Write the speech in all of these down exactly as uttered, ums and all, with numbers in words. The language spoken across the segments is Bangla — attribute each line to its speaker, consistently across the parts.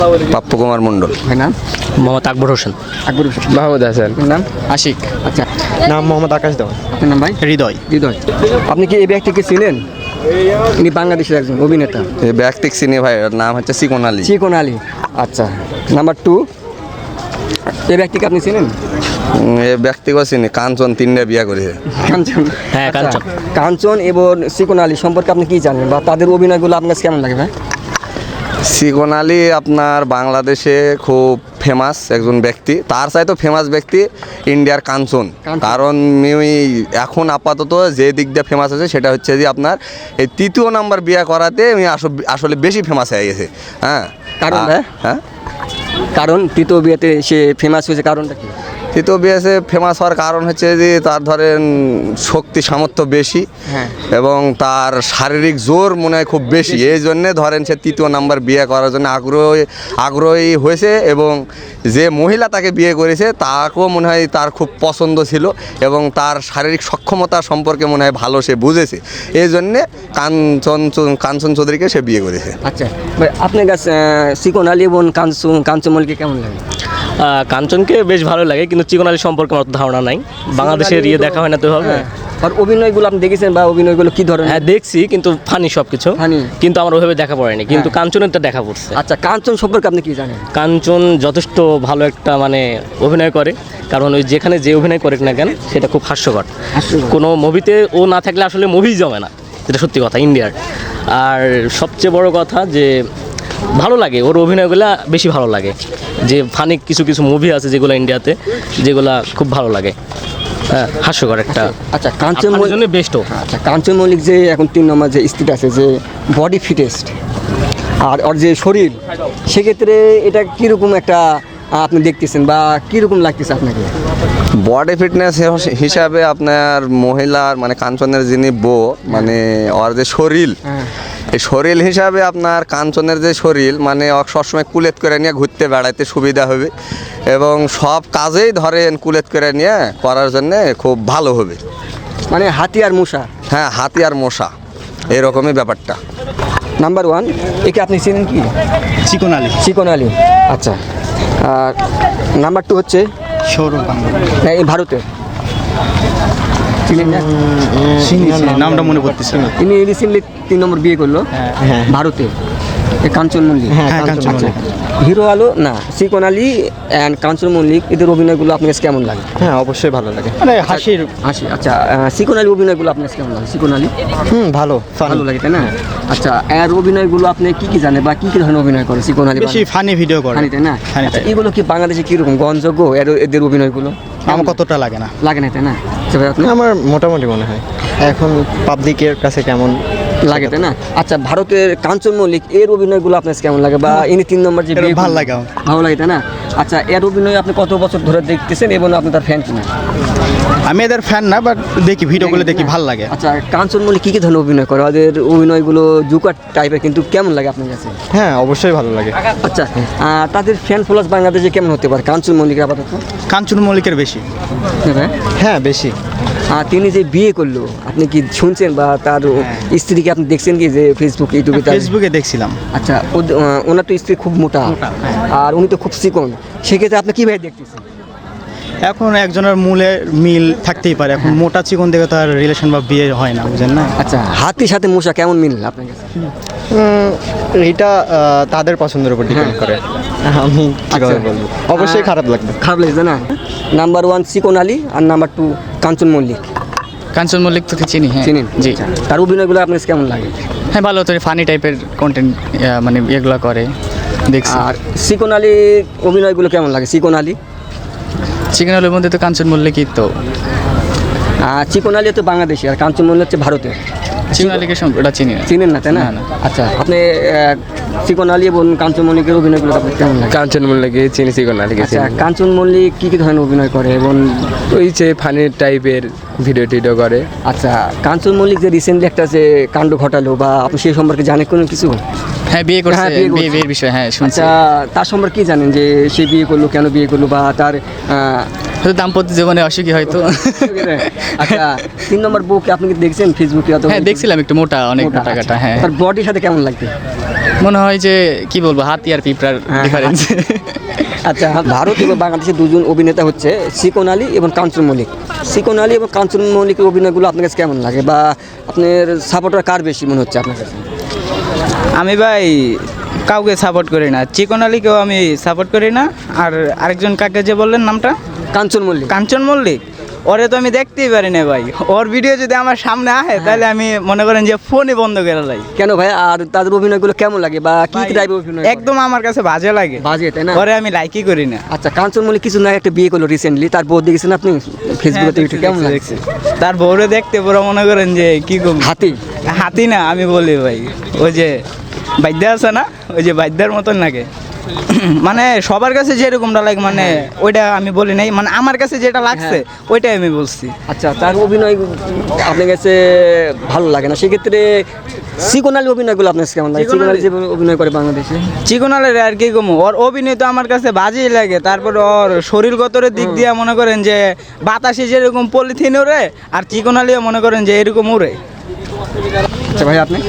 Speaker 1: পাপ্পু কুমার মণ্ডল।
Speaker 2: ভাই নাম?
Speaker 3: মোহাম্মদ আকবর হোসেন।
Speaker 2: আকবর হোসেন।
Speaker 1: মাহমুদ হাসান।
Speaker 2: আপনার নাম?
Speaker 3: আশিক।
Speaker 2: আচ্ছা,
Speaker 4: নাম মোহাম্মদ আকাশ দেওয়ান।
Speaker 2: আপনার নাম ভাই?
Speaker 3: হৃদয়।
Speaker 2: হৃদয়। আপনি কি এই ব্যক্তিকে চিনেন? ইনি বাংলাদেশের একজন অভিনেতা।
Speaker 1: এই ব্যক্তিক চিনি ভাই, ওর নাম হচ্ছে চিকন আলী।
Speaker 2: চিকন আলী। আচ্ছা, নাম্বার টু, এই ব্যক্তিকে আপনি চিনেন?
Speaker 1: উম, এই ব্যক্তিকে চিনি, কাঞ্চন তিনটা বিয়ে করেছে।
Speaker 2: কাঞ্চন।
Speaker 3: হ্যাঁ,
Speaker 2: আচ্ছা,
Speaker 3: কাঞ্চন।
Speaker 2: কাঞ্চন এবং চিকন আলী সম্পর্কে আপনি কি জানেন বা তাদের অভিনয়গুলো আপনার কাছে কেমন লাগে ভাই?
Speaker 1: চিকন আলী আপনার বাংলাদেশে খুব ফেমাস একজন ব্যক্তি, তার চাইতে ফেমাস ব্যক্তি ইন্ডিয়ার কাঞ্চন।
Speaker 2: কাঞ্চন।
Speaker 1: কারণ আমি এখন আপাতত যে দিক দিয়ে ফেমাস আছে সেটা হচ্ছে যে আপনার এই তৃতীয় নাম্বার বিয়ে করাতে আমি আসলে আসলে বেশি ফেমাস হয়ে গেছে। হ্যাঁ,
Speaker 2: কারণ
Speaker 1: আ-
Speaker 2: ভাই?
Speaker 1: হ্যাঁ
Speaker 2: কারণ তৃতীয় বিয়েতে সে ফেমাস হয়েছে, কারণটা কি?
Speaker 1: তৃতীয় বিএসে ফেমাস হওয়ার কারণ হচ্ছে যে তার ধরেন শক্তি সামর্থ্য বেশি
Speaker 2: হ্যাঁ।
Speaker 1: এবং তার শারীরিক জোর মনে হয় খুব বেশি, এই জন্যে ধরেন সে তৃতীয় নাম্বার বিয়ে করার জন্য আগ্রহী আগ্রহী হয়েছে এবং যে মহিলা তাকে বিয়ে করেছে তাকেও মনে হয় তার খুব পছন্দ ছিল এবং তার শারীরিক সক্ষমতা সম্পর্কে মনে হয় ভালো সে বুঝেছে, এই জন্যে কাঞ্চন কাঞ্চন চৌধুরীকে সে বিয়ে করেছে।
Speaker 2: আচ্ছা ভাই, আপনার কাছে চিকন আলী এবং কাঞ্চন কাঞ্চন মল্লিককে কেমন লাগে?
Speaker 3: আহ, কাঞ্চনকে বেশ ভালো লাগে, কিন্তু চিকন আলী সম্পর্কে আমার অত ধারণা নাই। বাংলাদেশের ইয়ে দেখা হয় না তো হবে।
Speaker 2: হ্যাঁ। আর অভিনয়গুলো আপনি দেখেছেন বা অভিনয়গুলো কি ধরনের?
Speaker 3: হ্যাঁ, দেখছি, কিন্তু ফানি সব কিছু।
Speaker 2: Funny?
Speaker 3: কিন্তু আমার ওইভাবে দেখা পড়েনি, কিন্তু
Speaker 2: হ্যাঁ।
Speaker 3: কাঞ্চনেরটা দেখা পড়ছে।
Speaker 2: আচ্ছা, কাঞ্চন সম্পর্কে আপনি কি জানেন?
Speaker 3: কাঞ্চন যথেষ্ট ভালো একটা মানে অভিনয় করে, কারণ ওই যেখানে যে অভিনয় করে না কেন সেটা খুব হাস্যকর।
Speaker 2: হাস্যকর।
Speaker 3: কোনো মুভিতে ও না থাকলে আসলে মুভি জমে না, যেটা সত্যি কথা ইন্ডিয়ার। আর সবচেয়ে বড় কথা যে ভালো লাগে ওর অভিনয়গুলো, বেশি ভালো লাগে। যে ফানি কিছু কিছু মুভি আছে যেগুলো ইন্ডিয়াতে, যেগুলা খুব ভালো লাগে। হ্যাঁ, হাস্যকর একটা।
Speaker 2: আচ্ছা, কাঞ্চন
Speaker 3: আপনার
Speaker 2: মল্লিক
Speaker 3: জন্য বেস্ট।
Speaker 2: আচ্ছা কাঞ্চন মল্লিক যে এখন তিন নম্বর যে স্থিত আছে, যে বডি ফিটেস্ট আর ওর যে শরীর, সেক্ষেত্রে এটা কীরকম একটা আপনি দেখতেছেন বা কীরকম লাগতেছে আপনাকে?
Speaker 1: বডি ফিটনেস হিসাবে আপনার মহিলার মানে কাঞ্চনের যিনি বউ মানে ওর যে শরীর,
Speaker 2: হ্যাঁ।
Speaker 1: এই শরীর হিসাবে আপনার কাঞ্চনের যে শরীর মানে ওর সবসময় কুলেত করে নিয়ে ঘুরতে বেড়াইতে সুবিধা হবে এবং সব কাজেই ধরেন কুলেত করে নিয়ে করার জন্যে খুব ভালো হবে।
Speaker 2: মানে হাতি আর মশা।
Speaker 1: হ্যাঁ, হাতি আর মশা এরকমই ব্যাপারটা।
Speaker 2: নাম্বার ওয়ান, একে আপনি চিনেন কি?
Speaker 4: চিকন আলী।
Speaker 2: চিকন আলী। আচ্ছা, আর নাম্বার টু হচ্ছে
Speaker 4: সৌরভ গাঙ্গুলি।
Speaker 2: না, এই ভারতের চিনেন না?
Speaker 4: নামটা মনে পড়তেছে না।
Speaker 2: তিনি রিসেন্টলি তিন নম্বর বিয়ে করলো
Speaker 4: হ্যাঁ।
Speaker 2: ভারতে, এই কাঞ্চন মল্লিক।
Speaker 4: হ্যাঁ, কাঞ্চন
Speaker 2: আচ্ছা,
Speaker 4: মল্লিক।
Speaker 2: হিরো আলো না চিকন আলী অ্যান্ড কাঞ্চন মল্লিক, এদের অভিনয়গুলো আপনার কাছে কেমন লাগে?
Speaker 4: হ্যাঁ, অবশ্যই ভালো লাগে, মানে হাসির।
Speaker 2: হাসি। আচ্ছা, আহ, চিকন আলী অভিনয়গুলো আপনার কাছে কেমন লাগে? চিকন আলী
Speaker 4: হুম, ভালো
Speaker 2: ভালো লাগে, তাই না? আচ্ছা, এর অভিনয়গুলো আপনি কি কি জানেন বা কি কি ধরনের অভিনয় করে চিকন আলী?
Speaker 4: বেশি ফানি ভিডিও করে।
Speaker 2: ফানি, তাই না?
Speaker 4: ফানি
Speaker 2: আচ্ছা,
Speaker 4: type।
Speaker 2: এগুলো কি বাংলাদেশে কিরকম গ্রহণযোগ্য এর এদের অভিনয়গুলো?
Speaker 4: আমার কতটা লাগে না।
Speaker 2: লাগে না, তাই না? আচ্ছা ভাই, আপনি
Speaker 4: আমার মোটামুটি মনে হয় এখন পাবলিকের কাছে কেমন
Speaker 2: লাগে, তাই না? আচ্ছা, ভারতের কাঞ্চন মল্লিক এর অভিনয়গুলো আপনার কাছে কেমন লাগে বা ইনি তিন নম্বর যে
Speaker 4: এর
Speaker 2: বিয়ে
Speaker 4: ভালো
Speaker 2: করলেন,
Speaker 4: লাগে আমার।
Speaker 2: ভালো লাগে, তাই না? আচ্ছা, এর অভিনয় আপনি কত বছর ধরে দেখতেছেন এবং আপনি তার ফ্যান কিনা?
Speaker 4: আমি এদের ফ্যান না, বাট দেখি ভিডিওগুলো দেখি, ভালো লাগে।
Speaker 2: আচ্ছা, কাঞ্চন মল্লিক কী কী ধরনের অভিনয় করে? ওদের অভিনয়গুলো জুকার টাইপের, কিন্তু কেমন লাগে আপনার কাছে?
Speaker 4: হ্যাঁ, অবশ্যই ভালো লাগে।
Speaker 2: আচ্ছা, আহ, তাদের ফ্যান ফলোয়ার্স বাংলাদেশে কেমন হতে পারে কাঞ্চন মল্লিকের আপাতত?
Speaker 4: কাঞ্চন মল্লিকের বেশি।
Speaker 2: হ্যাঁ,
Speaker 4: হ্যাঁ, বেশি।
Speaker 2: আর তিনি যে বিয়ে করলো আপনি কি শুনছেন বা তার স্ত্রীকে আপনি দেখছেন কি যে ফেসবুক ইউটিউবে তার-
Speaker 4: ফেসবুকে দেখছিলাম।
Speaker 2: আচ্ছা, ওদ- আহ, ওনার তো স্ত্রী খুব মোটা আর উনি তো খুব চিকন, সেক্ষেত্রে আপনি কীভাবে দেখতেছেন?
Speaker 4: এখন একজনের মূলে মিল থাকতেই পারে, এখন মোটা চিকন দেখে তার রিলেশন বা বিয়ে হয় না, বুঝেন না?
Speaker 2: আচ্ছা, হাতির সাথে মশা কেমন মিল আপনার কাছে?
Speaker 4: এটা তাদের পছন্দের উপর ডিপেন্ড করে, আমি কিভাবে বলবো, অবশ্যই খারাপ লাগবে।
Speaker 2: খারাপ লাগছে না? নাম্বার ওয়ান চিকন আলী আর নাম্বার টু কাঞ্চন মল্লিক।
Speaker 5: কাঞ্চন মল্লিক তোকে চিনি, হ্যাঁ
Speaker 2: চিনেন?
Speaker 5: জি।
Speaker 2: আচ্ছা, তার অভিনয়গুলো আপনার কাছে কেমন লাগে?
Speaker 5: হ্যাঁ, ভালো তো, ফানি টাইপের কন্টেন্ট মানে এগুলো করে দেখছি।
Speaker 2: আর চিকন আলী অভিনয়গুলো কেমন লাগে? চিকন আলী
Speaker 5: চিকেন আলুর মধ্যে তো কাঞ্চন মল্লিকই তো।
Speaker 2: আর চিকন আলী তো বাংলাদেশি আর কাঞ্চন মল্লিক হচ্ছে ভারতের।
Speaker 5: চিকেন আলীকে সম- ওটা চিনি না।
Speaker 2: চিনেন না, তাই না?
Speaker 5: না, না।
Speaker 2: আচ্ছা, আপনি আহ, চিকন আলী এবং কাঞ্চন মল্লিকের অভিনয়গুলো আপনার কেমন লাগে?
Speaker 6: কাঞ্চন মল্লিককে চিনি, চিকন আলীকে
Speaker 2: আচ্ছা,
Speaker 6: চিনি।
Speaker 2: কাঞ্চন মল্লিক কী কী ধরনের অভিনয় করে এবং
Speaker 6: ওই যে ফানি টাইপের ভিডিও টিডিও করে।
Speaker 2: আচ্ছা, কাঞ্চন মল্লিক যে রিসেন্টলি একটা যে কাণ্ড ঘটালো বা আপনি সেই সম্পর্কে জানেন কোনো কিছু?
Speaker 5: হ্যাঁ, বিয়ে করছে,
Speaker 2: হ্যাঁ, বিয়ে করছে।
Speaker 5: বিয়ে বিয়ের বিষয়, হ্যাঁ শুনছি।
Speaker 2: আচ্ছা, তার সম্পর্কে কি জানেন যে সে বিয়ে করলো, কেন বিয়ে করলো বা তার আহ,
Speaker 5: হয়তো দাম্পত্য জীবনে অসুখী হয়তো।
Speaker 2: আচ্ছা, তিন নম্বর বউকে আপনি কি দেখছেন ফেসবুকে? অথবা
Speaker 5: হ্যাঁ, দেখছিলাম, একটু মোটা, অনেক মোটা কাটা। হ্যাঁ,
Speaker 2: তার বডির সাথে কেমন লাগবে?
Speaker 5: মনে হয় যে কি বলবো হাতি আর পিঁপড়ার ডিফারেন্স।
Speaker 2: আচ্ছা, ভারত এবং বাংলাদেশের দুজন অভিনেতা হচ্ছে শিকন আলী এবং কাঞ্চন মল্লিক। শিকন আলী এবং কাঞ্চন মল্লিকের অভিনয়গুলো আপনার কাছে কেমন লাগে, বা আপনার সাপোর্টার কার বেশি মনে হচ্ছে আপনার কাছে?
Speaker 7: আমি ভাই কাউকে সাপোর্ট করি না, চিকন আলীকেও আমি সাপোর্ট করি না। আর আরেকজন কাকে যে বললেন নামটা,
Speaker 2: কাঞ্চন মল্লিক।
Speaker 7: কাঞ্চন মল্লিক, ওরে তো আমি দেখতেই পারি না ভাই। ওর ভিডিও যদি আমার সামনে আসে তাহলে আমি মনে করেন যে ফোনই বন্ধ করে যাই।
Speaker 2: কেন ভাই, আর তাদের অভিনয়গুলো কেমন লাগে, বা কি
Speaker 7: ভাই,
Speaker 2: টাইপের অভিনয়?
Speaker 7: একদম আমার কাছে বাজে লাগে,
Speaker 2: বাজে, তাই না?
Speaker 7: ওরে আমি লাইকই করি না।
Speaker 2: আচ্ছা, কাঞ্চন মল্লিক কিছু না একটা বিয়ে করলো রিসেন্টলি, তার বউ দেখেছেন আপনি ফেসবুকে?
Speaker 7: হ্যাঁ,
Speaker 2: কেমন
Speaker 7: দেখছি,
Speaker 2: লাগছে?
Speaker 7: দেখছি। তার বউরে দেখতে পুরো মনে করেন যে কি কম
Speaker 2: হাতি
Speaker 7: হাতি না, আমি বলি ভাই ওই যে বাদ্যা আছে না, ওই যে বাদ্যার মতন লাগে। মানে সবার কাছে যেরকমটা লাগে, মানে ওইটা আমি বলি নাই, মানে আমার কাছে যেটা লাগছে ওইটাই আমি বলছি।
Speaker 2: আচ্ছা, তার অভিনয় আপনার কাছে ভালো লাগে না, সেক্ষেত্রে শিকন আলী অভিনয়গুলো আপনার কাছে কেমন লাগে?
Speaker 7: চিকন
Speaker 2: শিকন আলী
Speaker 7: আলী-
Speaker 2: যে অভিনয় করে বাংলাদেশে,
Speaker 7: চিকনালের আর কি কম, ওর অভিনয় তো আমার কাছে বাজেই লাগে। তারপর ওর শরীরগত দিক দিয়ে মনে করেন যে বাতাসে যেরকম পলিথিন ওরে, আর চিকনালিও মনে করেন যে এরকম উড়ে।
Speaker 2: আচ্ছা ভাই, আপনি?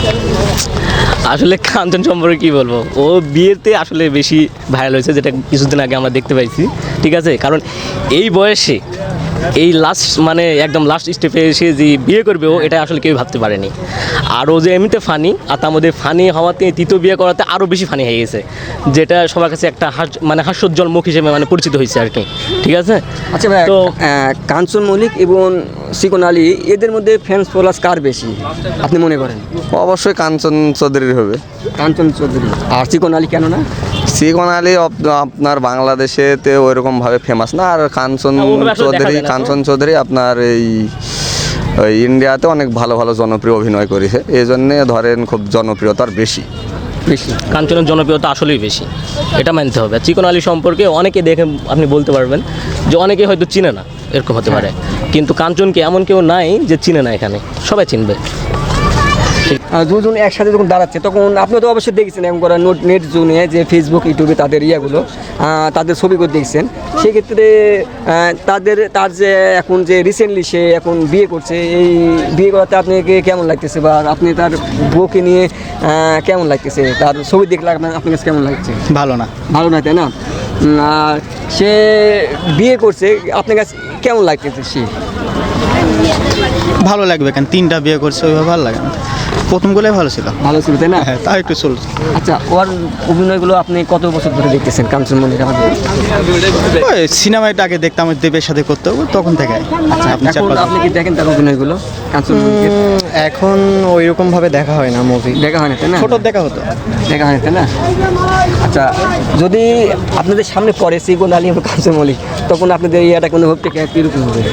Speaker 3: আসলে কাঞ্চন সম্পর্কে কি বলবো, ও বিয়েতে আসলে বেশি ভাইরাল হয়েছে, যেটা কিছুদিন আগে আমরা দেখতে পাইছি। ঠিক আছে, কারণ এই বয়সে এই লাস্ট মানে একদম লাস্ট স্টেপে এসে যে বিয়ে করবে, ও এটা আসলে কেউ ভাবতে পারেনি। আর ও যে এমনিতে ফানি, আর তার মধ্যে ফানি হওয়াতে তৃতীয় বিয়ে করাতে আরও বেশি ফানি হয়ে গেছে, যেটা সবার কাছে একটা হাস মানে হাস্যোজ্জ্বল মুখ হিসেবে মানে পরিচিত হয়েছে আর কি। ঠিক আছে,
Speaker 2: আচ্ছা ভাই,
Speaker 3: তো
Speaker 2: আহ, কাঞ্চন মল্লিক এবং শিকন আলী এদের মধ্যে ফ্যান্স ফলোয়ার্স কার বেশি আপনি মনে করেন?
Speaker 1: অবশ্যই কাঞ্চন চৌধুরীর হবে।
Speaker 2: কাঞ্চন চৌধুরী। আর শিকন আলী কেন না?
Speaker 1: শিকন আলী আপ- আপনার বাংলাদেশেতে ওইরকম ভাবে ফেমাস না, আর কাঞ্চন
Speaker 3: না, ওভাবে আসলে দেখা
Speaker 1: চৌধুরী
Speaker 3: যায় না তো।
Speaker 1: কাঞ্চন চৌধুরী আপনার এই ওই ইন্ডিয়াতে অনেক ভালো ভালো জনপ্রিয় অভিনয় করেছে, এই জন্যে ধরেন খুব জনপ্রিয়তার বেশি।
Speaker 2: বেশি।
Speaker 3: কাঞ্চনের জনপ্রিয়তা আসলেই বেশি, এটা মানতে হবে। আর চিকন আলী সম্পর্কে অনেকে দেখে আপনি বলতে পারবেন যে অনেকে হয়তো চিনে না, এরকম হতে পারে, কিন্তু কাঞ্চনকে এমন কেউ নাই যে চিনে না, এখানে সবাই চিনবে।
Speaker 2: আহ, দুজন একসাথে যখন দাঁড়াচ্ছে তখন আপনি তো অবশ্যই দেখেছেন এমন করা নোট নেট জোনে যে ফেসবুক ইউটিউবে তাদের ইয়েগুলো আহ, তাদের ছবিগুলো দেখছেন, সেক্ষেত্রে আহ, তাদের তার যে এখন যে রিসেন্টলি সে এখন বিয়ে করছে, এই বিয়ে করাতে আপনাকে কেমন লাগতেছে, বা আপনি তার বউকে নিয়ে আহ, কেমন লাগতেছে, তার ছবি দেখলে আপনার আপনার কাছে কেমন লাগছে?
Speaker 4: ভালো না।
Speaker 2: ভালো না, তাই না? উম, আর সে বিয়ে করছে, আপনার কাছে কেমন লাগতেছে? সে
Speaker 8: ভালো লাগবে কেন, তিনটা বিয়ে করছে ওইভাবে ভালো লাগে না, প্রথমগুলোই ভালো ছিল।
Speaker 2: ভালো ছিল, তাই না?
Speaker 8: হ্যাঁ, তাও একটু চলছে।
Speaker 2: আচ্ছা, ওর অভিনয়গুলো আপনি কত বছর ধরে দেখতেছেন কাঞ্চন মল্লিক আমাদের?
Speaker 8: ওই সিনেমাটা আগে দেখতাম ওই দেবের সাথে করতে হবে, তখন থেকে
Speaker 2: আচ্ছা,
Speaker 8: আপনি চার
Speaker 2: এখন
Speaker 8: পাঁচ
Speaker 2: আপনি কি দেখেন তার অভিনয়গুলো কাঞ্চন মল্লিকের?
Speaker 4: উম, এখন ওই রকম ভাবে দেখা হয় না মুভি।
Speaker 2: দেখা হয় না, তাই না?
Speaker 8: ছোট দেখা হতো।
Speaker 2: দেখা হয় না, তাই না? আচ্ছা, যদি আপনাদের সামনে পড়ে শিকন আলী এবং কাঞ্চন মল্লিক, তখন আপনাদের ইয়াটা কোনো অনুভবটা কীরকম হবে?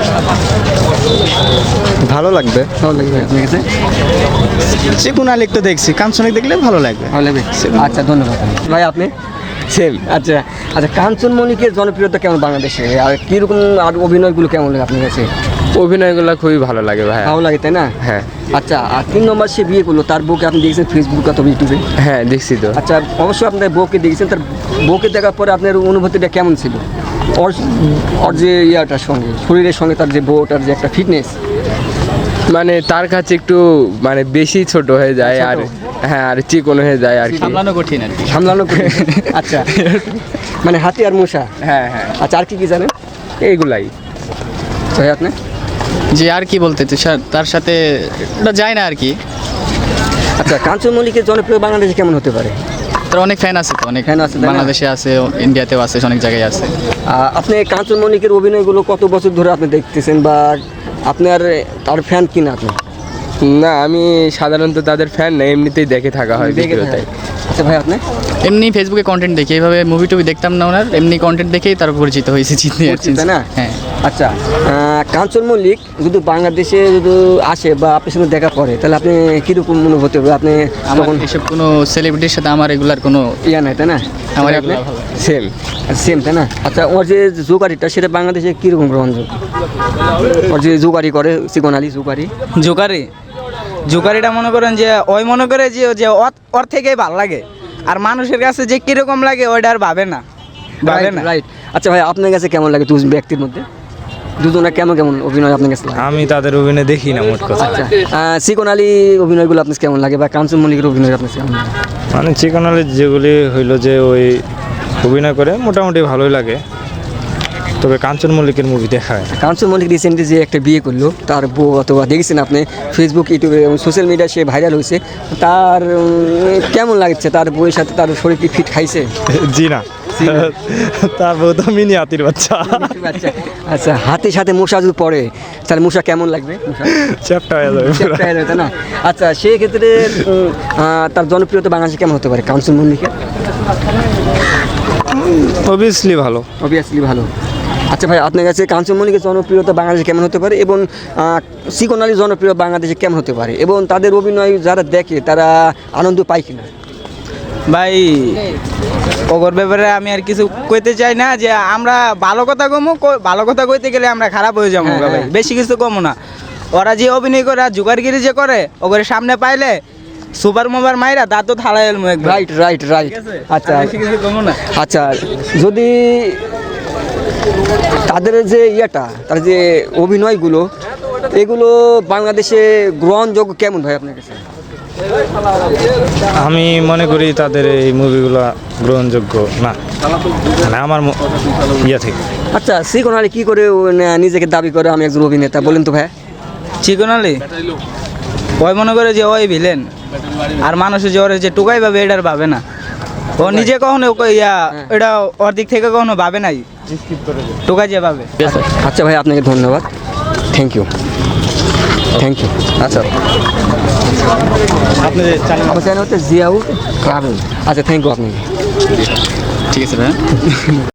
Speaker 4: ভালো লাগবে।
Speaker 2: ভালো লাগবে আপনার কাছে?
Speaker 8: চিকুন আলী তো দেখছি, কাঞ্চনিক দেখলে ভালো লাগবে।
Speaker 2: ভালো লাগবে। আচ্ছা, ধন্যবাদ ভাই। আপনি?
Speaker 1: সেম।
Speaker 2: আচ্ছা আচ্ছা, কাঞ্চন মল্লিকের জনপ্রিয়তা কেমন বাংলাদেশে, আর কীরকম আর অভিনয়গুলো কেমন লাগে আপনার কাছে?
Speaker 6: অভিনয়গুলো খুবই ভালো লাগে ভাই।
Speaker 2: ভালো লাগে, তাই না?
Speaker 6: হ্যাঁ
Speaker 2: আচ্ছা, আর তিন নম্বর সে বিয়ে করলো, তার বউকে আপনি দেখেছেন ফেসবুক অথবা ইউটিউবে?
Speaker 6: হ্যাঁ দেখছি তো।
Speaker 2: আচ্ছা, অবশ্যই আপনার বউকে দেখেছেন, তার বউকে দেখার পরে আপনার অনুভূতিটা কেমন ছিল? ওর ওর যে ইয়াটার সঙ্গে, শরীরের সঙ্গে তার যে বউটার যে একটা ফিটনেস,
Speaker 6: মানে তার কাছে একটু মানে বেশি ছোট হয়ে যায়, আর হ্যাঁ আর চিকন হয়ে যায় আর কি।
Speaker 5: সামলানো কঠিন আর কি।
Speaker 2: সামলানো কঠিন। আচ্ছা, মানে হাতি আর মশা।
Speaker 6: হ্যাঁ হ্যাঁ
Speaker 2: আচ্ছা, আর কি কি জানেন
Speaker 6: এইগুলাই।
Speaker 2: ভাই আপনি?
Speaker 5: যে আর কি বলতে তো সা- তার সাথে ওটা যায় না আর কি।
Speaker 2: আচ্ছা, কাঞ্চন মল্লিকের জনপ্রিয় বাংলাদেশে কেমন হতে পারে?
Speaker 5: তার অনেক ফ্যান আছে তো, অনেক
Speaker 2: Fan আছে, তাই না?
Speaker 5: বাংলাদেশে আছে, ইন্ডিয়াতেও আছে, অনেক জায়গায় আছে।
Speaker 2: আহ, আপনি কাঞ্চন মল্লিকের অভিনয়গুলো কত বছর ধরে আপনি দেখতেছেন, বা আপনার তার ফ্যান কিনা আপনি?
Speaker 6: না আমি সাধারণত তাদের ফ্যান না, এমনিতেই দেখে থাকা হয়
Speaker 2: দেখে
Speaker 6: ভিডিওতে।
Speaker 2: থাকেন। আচ্ছা ভাই, আপনি?
Speaker 5: এমনি ফেসবুকে কন্টেন্ট দেখি, এইভাবে মুভি টুভি দেখতাম না ওনার, এমনি কন্টেন্ট দেখেই তার পরিচিত হয়েছে, চিনতে
Speaker 2: পরিচিত, তাই না?
Speaker 5: হ্যাঁ।
Speaker 2: আচ্ছা, আহ, কাঞ্চন মল্লিক যদি বাংলাদেশে যদি আসে বা আপনার সঙ্গে দেখা করে, তাহলে আপনি কীরকম অনুভূতি হবে? আপনি
Speaker 5: আমার
Speaker 2: তখন
Speaker 5: এসব কোনো সেলিব্রিটির সাথে আমার এগুলার কোনো
Speaker 2: ইয়া নাই, তাই না?
Speaker 5: আমার
Speaker 2: আপনি?
Speaker 5: এগুলা ভালো।
Speaker 6: সেম।
Speaker 2: সেম, তাই না? আচ্ছা, ওর যে জোগাড়িটা সেটা বাংলাদেশে কীরকম গ্রহণযোগ্য? ওর যে জোগাড়ি করে শিকন আলী জোগাড়ি,
Speaker 7: জোকারি জোকারিটা মনে করেন যে ওই মনে করে যে যে ওর- ওর থেকেই ভালো লাগে, আর মানুষের কাছে যে কিরকম লাগে ওইটা আর ভাবে না, ভাবে না।
Speaker 2: রাইট। আচ্ছা ভাই, আপনার কাছে কেমন লাগে দুজন ব্যক্তির মধ্যে? দুজনে কেমন কেমন অভিনয় আপনার কাছে লাগে?
Speaker 9: আমি তাদের অভিনয় দেখি না মোট কথা।
Speaker 2: আচ্ছা আহ, চিকন আলী অভিনয়গুলো আপনার কেমন লাগে বা কাঞ্চন মল্লিকের অভিনয় আপনার কেমন লাগে?
Speaker 9: মানে চিকন আলীর যেগুলি হইলো যে ওই অভিনয় করে মোটামুটি ভালোই লাগে, তবে কাঞ্চন মল্লিকের মুভি দেখা হয় না।
Speaker 2: কাঞ্চন মল্লিক রিসেন্টলি যে একটা বিয়ে করলো, তার বউ অথবা দেখেছেন আপনি ফেসবুক ইউটিউবে এবং সোশ্যাল মিডিয়ায় সে ভাইরাল হয়েছে, তার উম, কেমন লাগছে? তার বউয়ের সাথে তার শরীর কি ফিট খাইছে?
Speaker 9: জি না, তারপর তো মিনি হাতির বাচ্চা,
Speaker 2: আচ্ছা আচ্ছা, হাতের সাথে মশা যদি পড়ে তাহলে মশা কেমন লাগবে? মশা
Speaker 9: চ্যাপটা হয়ে যাবে পুরো।
Speaker 2: চ্যাপ্টা হয়ে যাবে, তাই না? আচ্ছা সেই ক্ষেত্রে উম, আহ, তার জনপ্রিয়তা বাংলাদেশে কেমন হতে পারে কাঞ্চন মল্লিকের?
Speaker 9: অবভিয়াসলি ভালো।
Speaker 2: অবভিয়াসলি ভালো। আচ্ছা ভাই, আপনার কাছে কাঞ্চন মল্লিকের জনপ্রিয়তা বাংলাদেশে কেমন হতে পারে এবং আহ, চিকন আলীর জনপ্রিয় বাংলাদেশে কেমন হতে পারে এবং তাদের অভিনয় যারা দেখে তারা আনন্দ পায় কিনা?
Speaker 7: ভাই ওগর ব্যাপারে আমি আর কিছু কইতে চাই না, যে আমরা ভালো কথা কমু, ভালো কথা কইতে গেলে আমরা খারাপ হয়ে যাবো
Speaker 2: হ্যাঁ,
Speaker 7: ভাই,
Speaker 2: হ্যাঁ।
Speaker 7: বেশি কিছু কমু না। ওরা যে অভিনয় করে আর জোগাড়গিরি যে করে, ওগরে সামনে পাইলে সুপার মোবার মাইরা দাঁত তো থালাই এলমু একবার।
Speaker 2: Right right right. আচ্ছা
Speaker 7: আর বেশি কিছু কমু না।
Speaker 2: আচ্ছা, যদি তাদের যে ইয়েটা, তার যে অভিনয়গুলো, এগুলো বাংলাদেশে গ্রহণযোগ্য কেমন ভাই আপনার কাছে?
Speaker 9: আমি মনে করি তাদের এই মুভিগুলো গ্রহণযোগ্য না, মানে আমার ম- ইয়ে থেকে।
Speaker 2: আচ্ছা চিকন আলী কী করে ও না- নিজেকে দাবি করে আমি একজন অভিনেতা, বলেন তো ভাই?
Speaker 7: চিকন আলী ওই মনে করে যে ওই ভিলেন, আর মানুষের যে ওর যে টুকাই ভাবে এটার ভাবে না, ও নিজে কখনো ও- ইয়া এটা ওর দিক থেকে কখনো ভাবে নাই, টুকাই যে ভাবে।
Speaker 3: ঠিক আছে
Speaker 2: আচ্ছা ভাই, আপনাকে ধন্যবাদ, থ্যাংক ইউ থ্যাংক ইউ।
Speaker 1: আচ্ছা
Speaker 8: আপনি যে চ্যানেল
Speaker 2: আমার চ্যানেল হচ্ছে জিয়াউর ট্রাভেল। আচ্ছা থ্যাংক ইউ আপনাকে।
Speaker 5: ঠিক আছে ভাই।